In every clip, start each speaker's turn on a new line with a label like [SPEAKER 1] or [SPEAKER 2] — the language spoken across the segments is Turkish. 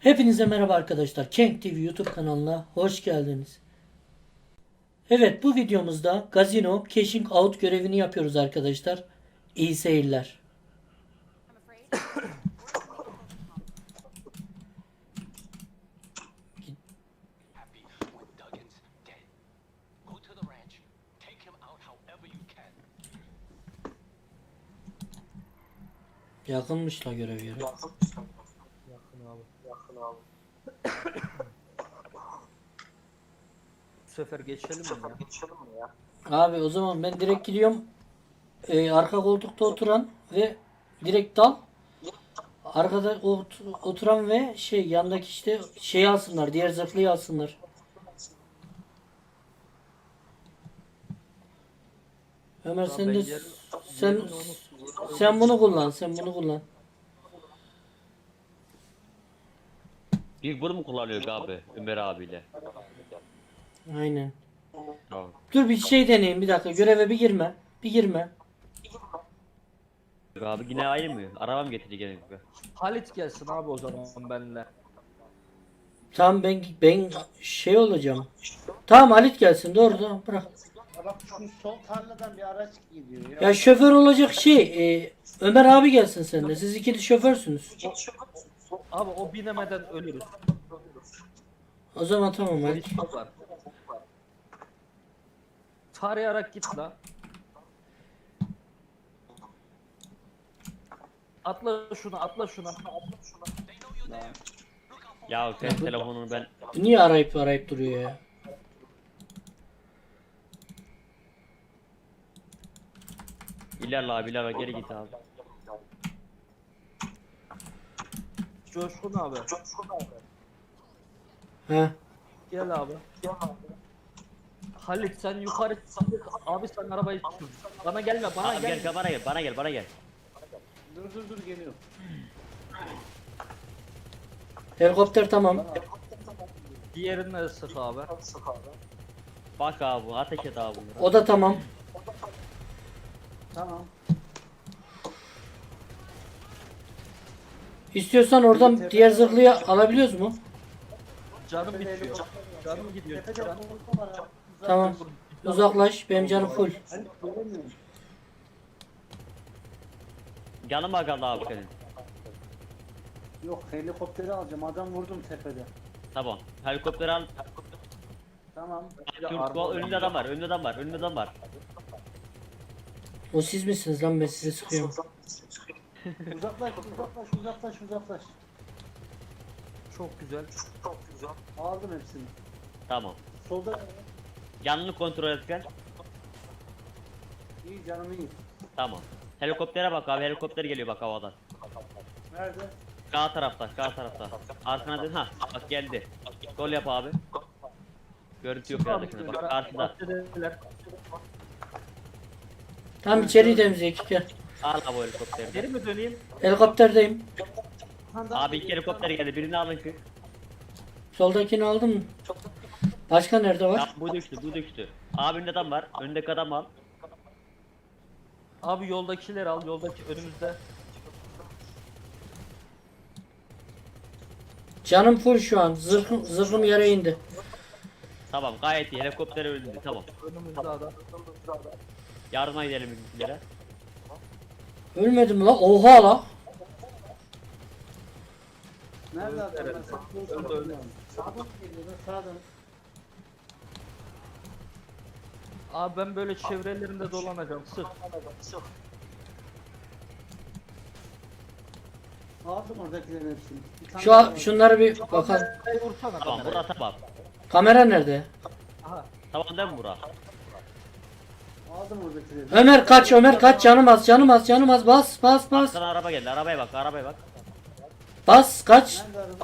[SPEAKER 1] Hepinize merhaba arkadaşlar. Cenk TV YouTube kanalına hoş geldiniz. Evet, bu videomuzda Gazino Cashing Out görevini yapıyoruz arkadaşlar. İyi seyirler.
[SPEAKER 2] Happy when Duggan's dead. Go to the ranch. Take him out however you can.
[SPEAKER 1] Yakınmış la görev yeri.
[SPEAKER 3] Yakın abi. Yakın abi. Bu sefer geçelim mi ya? Geçelim mi ya?
[SPEAKER 1] Abi o zaman ben direkt gidiyorum. Arka koltukta oturan ve direkt dal. Arkada oturan ve yandaki şeyi alsınlar. Diğer zırhlıyı alsınlar. Ömer
[SPEAKER 3] Tamam,
[SPEAKER 1] sen
[SPEAKER 3] ben
[SPEAKER 1] de
[SPEAKER 3] yerim.
[SPEAKER 1] sen
[SPEAKER 3] Yerim onu-
[SPEAKER 1] sen bunu kullan. Sen bunu kullan.
[SPEAKER 4] Bir bunu mu kullanıyor abi Ömer abiyle?
[SPEAKER 1] Aynen.
[SPEAKER 4] Tamam.
[SPEAKER 1] Dur bir şey deneyeyim bir dakika. Göreve bir girme. Bir girme.
[SPEAKER 4] Abi yine aynı mı? Arabam getirdi gene.
[SPEAKER 3] Halit gelsin abi o zaman benimle.
[SPEAKER 1] Tamam ben şey olacağım. Tamam Halit gelsin doğru da bırak.
[SPEAKER 5] Ya bak şu sol tarladan bir araç gidiyor ya.
[SPEAKER 1] Ya şoför olacak Ömer abi gelsin sen de. Siz ikili şoförsünüz.
[SPEAKER 3] Abi o binemeden ölürüz.
[SPEAKER 1] O zaman tamam Halit.
[SPEAKER 3] Polis var. Tarayarak git la. Atla şuna, atla şuna.
[SPEAKER 4] Ya sen telefonunu ben
[SPEAKER 1] Bu niye arayıp duruyor ya?
[SPEAKER 4] ilerle abi ilerle geri git abi.
[SPEAKER 3] Coşkun abi.
[SPEAKER 1] Ha.
[SPEAKER 3] Gel abi. Halit sen yukarı abi sen arabayı sür. Bana gelme, bana
[SPEAKER 4] Abi
[SPEAKER 3] gelme.
[SPEAKER 4] gel bana gel bana gel.
[SPEAKER 5] Dur geliyor.
[SPEAKER 1] Helikopter tamam.
[SPEAKER 3] Diğerine sık abi.
[SPEAKER 4] Bak abi ateş et abi bunları.
[SPEAKER 1] O da tamam.
[SPEAKER 5] Tamam.
[SPEAKER 1] İstiyorsan oradan diğer zırhlıyı alabiliyoruz mu?
[SPEAKER 3] Canım bitiyor. Canım gidiyor.
[SPEAKER 5] Tepede
[SPEAKER 3] Can.
[SPEAKER 5] korku var ha.
[SPEAKER 1] Tamam. Uzaklaş. Benim canım full.
[SPEAKER 5] Hani göremiyorum.
[SPEAKER 4] Canıma kaldı abi senin.
[SPEAKER 5] Yok helikopteri alacağım. Adam vurdum tepede.
[SPEAKER 4] Tamam. Helikopteri al.
[SPEAKER 5] Tamam.
[SPEAKER 4] Türk önünde adam var. Önünde adam var.
[SPEAKER 1] O siz misiniz lan ben size sıkıyorum.
[SPEAKER 5] Uzaklaş.
[SPEAKER 3] Çok güzel.
[SPEAKER 5] Aldım hepsini.
[SPEAKER 4] Tamam.
[SPEAKER 5] Solda
[SPEAKER 4] Yanını kontrol et gel.
[SPEAKER 5] iyi canım iyi.
[SPEAKER 4] Tamam. Helikoptere bak abi helikopter geliyor bak havadan.
[SPEAKER 5] Nerede?
[SPEAKER 4] Sağ tarafta. Arkana dön ha. Bak geldi. Sol yap abi. Görüntü yok yerdekine bak karşıda.
[SPEAKER 3] Bahçedeler.
[SPEAKER 1] Tamam içeriği temizleyek gel.
[SPEAKER 4] Al abi o helikopteri.
[SPEAKER 3] Geri mi döneyim?
[SPEAKER 1] Helikopterdeyim.
[SPEAKER 4] Abi iki helikopter geldi birini alın ki.
[SPEAKER 1] Soldakini aldın mı? Başka nerede var?
[SPEAKER 4] Ya bu düştü. Abinin adam var. Önündeki adam al.
[SPEAKER 3] Abi yoldakileri al. Yoldaki önümüzde.
[SPEAKER 1] Canım full şu an. Zırhım yere indi.
[SPEAKER 4] Tamam gayet iyi. Helikopter öldü. Tamam.
[SPEAKER 3] Önümüzde adam.
[SPEAKER 4] Yardıma gidelim bizimkilere.
[SPEAKER 1] Ölmedim la. Oha la.
[SPEAKER 5] Nerede adam?
[SPEAKER 3] Evet. Öldü.
[SPEAKER 5] Sağdan geliyor. Sağdan.
[SPEAKER 3] Abi ben böyle çevrelerinde dolanacağım. Sık.
[SPEAKER 5] Aldım oradakilerin hepsini. Bir tane daha var.
[SPEAKER 1] Şunları bir bakalım.
[SPEAKER 3] Hey, vursana
[SPEAKER 4] Tamam
[SPEAKER 3] kamerayı.
[SPEAKER 4] bura tamam.
[SPEAKER 1] Kamera nerede?
[SPEAKER 3] Aha.
[SPEAKER 4] Tamam değil mi bura?
[SPEAKER 5] Aldım oradakileri.
[SPEAKER 1] Ömer kaç canım az bas.
[SPEAKER 4] Sana araba geldi. Arabaya bak.
[SPEAKER 1] Bas kaç.
[SPEAKER 5] Nerede araba?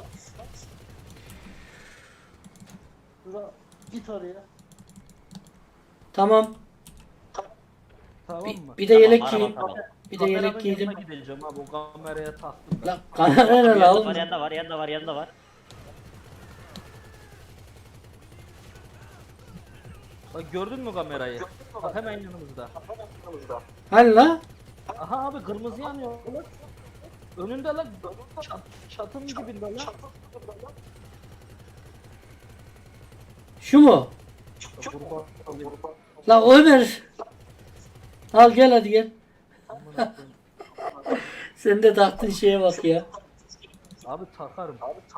[SPEAKER 5] Dur git oraya.
[SPEAKER 1] Tamam.
[SPEAKER 3] Tamam mı?
[SPEAKER 1] Bir de yelek
[SPEAKER 4] Tamam,
[SPEAKER 1] giyeyim.
[SPEAKER 4] araba,
[SPEAKER 1] Bir de yelek
[SPEAKER 3] Kameranın
[SPEAKER 1] giydim.
[SPEAKER 3] yanına gideceğim abi. O kameraya taktım ben.
[SPEAKER 1] La kamera ne la oğlum?
[SPEAKER 4] Yanında var.
[SPEAKER 3] Bak gördün mü kamerayı? Bak hemen yanımızda.
[SPEAKER 1] Hani la?
[SPEAKER 3] Aha abi kırmızı yanıyor. Lan. Önünde lan. Çatının dibinde lan.
[SPEAKER 1] Şu mu?
[SPEAKER 3] Burada alayım.
[SPEAKER 1] La Ömer. Al gel hadi gel. Sen de taktığın şeye bak ya.
[SPEAKER 3] Abi takarım.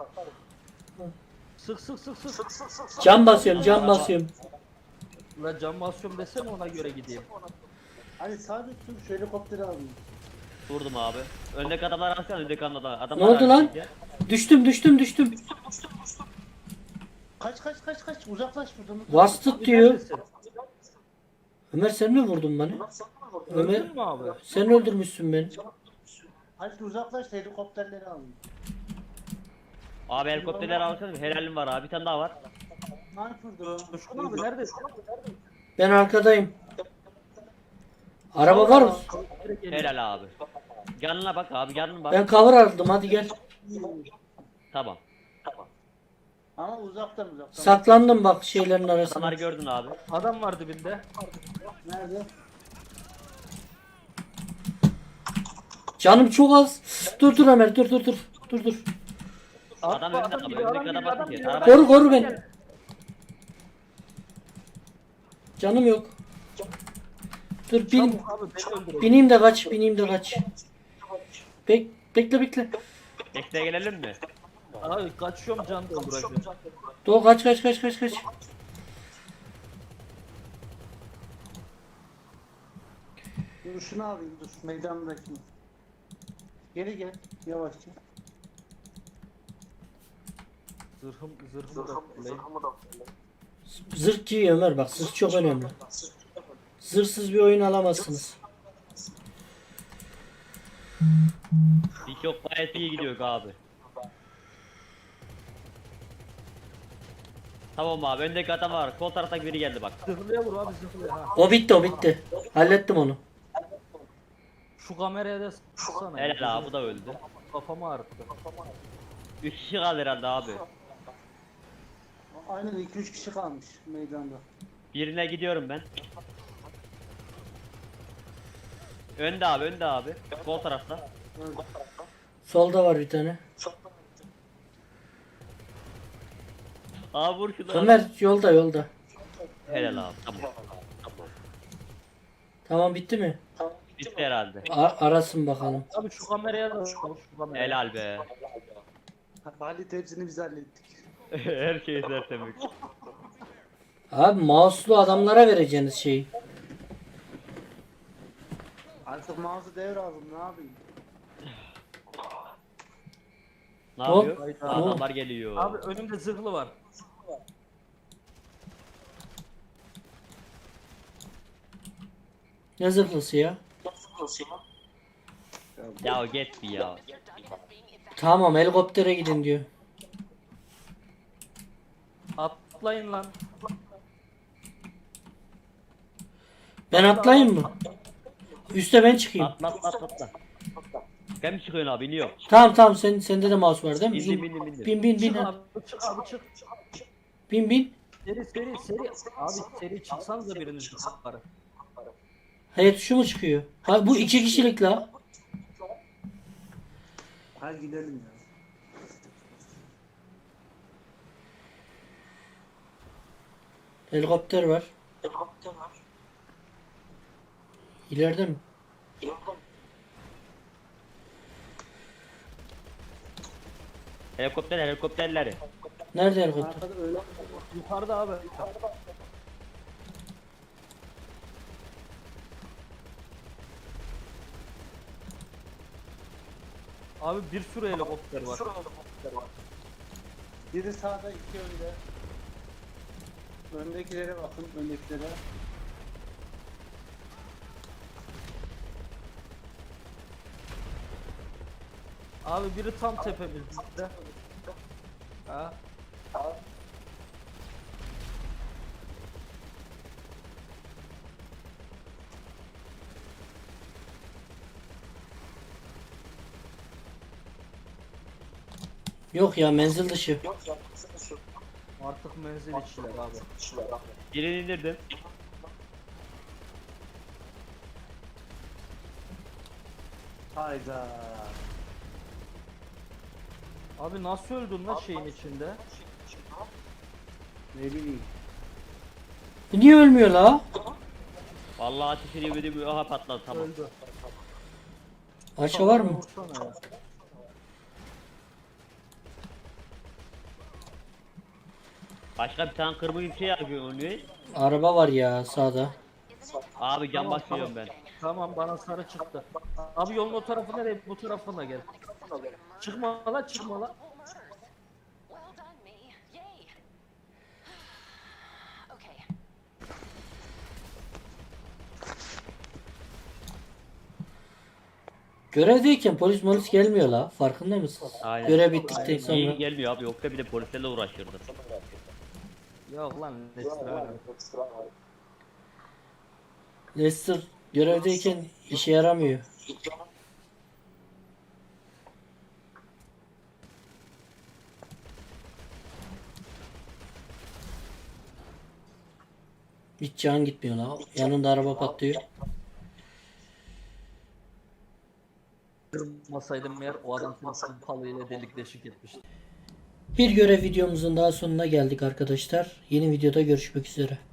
[SPEAKER 3] Sık sık sık sık.
[SPEAKER 1] Cam basıyorum, cam basıyorum.
[SPEAKER 3] La cam basıyorum desene ona göre gideyim.
[SPEAKER 5] Hadi sadece şu helikopteri alayım.
[SPEAKER 4] Vurdum abi. Öndeki adamlar alsana, öndeki adamlar.
[SPEAKER 1] Ne oldu lan? Düştüm.
[SPEAKER 5] Kaç uzaklaş buradan.
[SPEAKER 1] Vastıt diyor.
[SPEAKER 3] Neredesin?
[SPEAKER 1] Ömer sen mi vurdun beni? Ömer
[SPEAKER 3] Öldün mü abi?
[SPEAKER 1] sen öldürmüşsün beni.
[SPEAKER 5] Hadi uzaklaş helikopterleri alayım.
[SPEAKER 4] Abi helikopterleri alsana. Helalim var abi. Bir tane daha var.
[SPEAKER 5] Sniper'dır o.
[SPEAKER 3] Coşkun abi neredesin?
[SPEAKER 1] Ben arkadayım. Araba var mı?
[SPEAKER 3] Direkt geliyor.
[SPEAKER 4] Helal abi. Yanına bak abi, yanına bak.
[SPEAKER 1] Ben cover aldım hadi gel.
[SPEAKER 4] Tamam.
[SPEAKER 5] Ama uzaktan.
[SPEAKER 1] Saklandım bak şeylerin
[SPEAKER 4] Adamları
[SPEAKER 1] arasına.
[SPEAKER 4] gördün abi.
[SPEAKER 3] Adam var dibinde.
[SPEAKER 5] Nerede?
[SPEAKER 1] Canım çok az. Dur Ömer dur.
[SPEAKER 4] Adam önünde abi.
[SPEAKER 3] geliyor,
[SPEAKER 4] Öndeki adam bakın ki.
[SPEAKER 3] geliyor.
[SPEAKER 4] Araba-
[SPEAKER 1] Koru beni. Canım yok. Dur
[SPEAKER 3] Çabuk abi beni öldürün.
[SPEAKER 1] bineyim de kaç. Bekle.
[SPEAKER 4] Bekle gelelim mi?
[SPEAKER 3] Abi kaçıyorum can dolduracağım.
[SPEAKER 1] Doğu kaç.
[SPEAKER 5] Dur şunu alayım dur. Meydandakini. Gel. Yavaşça.
[SPEAKER 3] Zırhım da kullayayım.
[SPEAKER 1] Zırh giy Ömer bak zırh çok önemli. Zırhsız bir oyun alamazsınız.
[SPEAKER 4] Hiç yok, gayet iyi gidiyor abi. Tamam abi, öndeki adam var. Sol taraftaki biri geldi bak.
[SPEAKER 3] Zırhlıya vur abi zırhlıya. Ha.
[SPEAKER 1] O bitti. Hallettim onu.
[SPEAKER 3] Şu kameraya da sıksana.
[SPEAKER 4] Helal abi, bu da öldü.
[SPEAKER 3] Kafamı ağrıttı.
[SPEAKER 4] 3 kişi kaldı herhalde abi.
[SPEAKER 5] Aynen 2-3 kişi kalmış meydanda.
[SPEAKER 4] Birine gidiyorum ben. Önde abi. Sol tarafta.
[SPEAKER 1] Solda var bir tane.
[SPEAKER 4] Abi vur şunu.
[SPEAKER 1] Ömer yolda.
[SPEAKER 4] Helal abi, tamam.
[SPEAKER 1] Tamam bitti mi?
[SPEAKER 4] Bitti herhalde.
[SPEAKER 1] Arasın bakalım.
[SPEAKER 3] Abi şu kameraya da vur şu kameraya.
[SPEAKER 4] Helal be.
[SPEAKER 5] Halit hepsini biz hallettik.
[SPEAKER 4] Her şey tertemiz.
[SPEAKER 1] Abi mouse'lu adamlara vereceğiniz şeyi.
[SPEAKER 5] Artık mouse'u devraldım ne yapayım?
[SPEAKER 4] Ne
[SPEAKER 1] Hop.
[SPEAKER 4] yapıyor?
[SPEAKER 3] Hayda.
[SPEAKER 4] Adamlar geliyor.
[SPEAKER 3] Abi önümde zırhlı var.
[SPEAKER 1] Ne zırhlısı ya?
[SPEAKER 4] Ya get bir ya.
[SPEAKER 1] Tamam helikoptere gidin diyor.
[SPEAKER 3] Atlayın lan.
[SPEAKER 1] Ben atlayayım mı? Üste ben çıkayım.
[SPEAKER 4] Atla. Ben mi çıkıyorsun abi? İniyor.
[SPEAKER 1] Tamam sende de mouse var değil mi?
[SPEAKER 4] İndim.
[SPEAKER 1] Bin.
[SPEAKER 3] Çık abi çık abi çık.
[SPEAKER 1] Bin.
[SPEAKER 3] Seri. Abi seri çıksanıza biriniz yukarı.
[SPEAKER 1] Hayır şu mu çıkıyor? Ha bu 2 kişilik la.
[SPEAKER 5] Hadi gidelim ya.
[SPEAKER 1] Helikopter var. İleride mi?
[SPEAKER 4] Helikopterleri.
[SPEAKER 1] Nerede helikopter?
[SPEAKER 5] Arkada öyle
[SPEAKER 3] Yukarıda abi. Abi bir sürü helikopter var.
[SPEAKER 5] biri sağda iki önde. Öndekilere bakın öndekilere.
[SPEAKER 3] Abi biri tam tepemizde. Ha?
[SPEAKER 1] Yok ya menzil dışı.
[SPEAKER 3] Artık menzil içiler abi.
[SPEAKER 4] Birini indirdim.
[SPEAKER 5] Hayda.
[SPEAKER 3] Abi nasıl öldün lan şeyin içinde?
[SPEAKER 5] Ne bileyim.
[SPEAKER 1] Niye ölmüyor la?
[SPEAKER 4] Vallahi ateş ediyor bir aha patladı tamam.
[SPEAKER 3] Öldü.
[SPEAKER 1] Aşağı var mı?
[SPEAKER 3] Vursana ya.
[SPEAKER 4] Başka bir tane kırmızı bir şey yapıyor onu.
[SPEAKER 1] Araba var ya sağda.
[SPEAKER 4] Abi cam
[SPEAKER 3] Tamam,
[SPEAKER 4] basıyorum ben.
[SPEAKER 3] Tamam bana sarı çıktı. Abi yolun o tarafı nereye? Bu tarafına gel. Çıkma la çıkma la.
[SPEAKER 6] Well done, me. Yay. Okay.
[SPEAKER 1] Görevdeyken polis gelmiyor la. Farkında mısın?
[SPEAKER 4] Aynen.
[SPEAKER 1] Görev bittikten
[SPEAKER 4] İyi
[SPEAKER 1] sonra.
[SPEAKER 4] gelmiyor abi yoksa bir de polislerle uğraşırdı.
[SPEAKER 3] Yok lan Nesra.
[SPEAKER 1] Lester görevdeyken işe yaramıyor. Hiç can gitmiyor la. Yanında araba patlıyor.
[SPEAKER 3] Kırmasaydım eğer o adam seni palıyla delik deşik etmişti.
[SPEAKER 1] Bir görev videomuzun daha sonuna geldik arkadaşlar. Yeni videoda görüşmek üzere.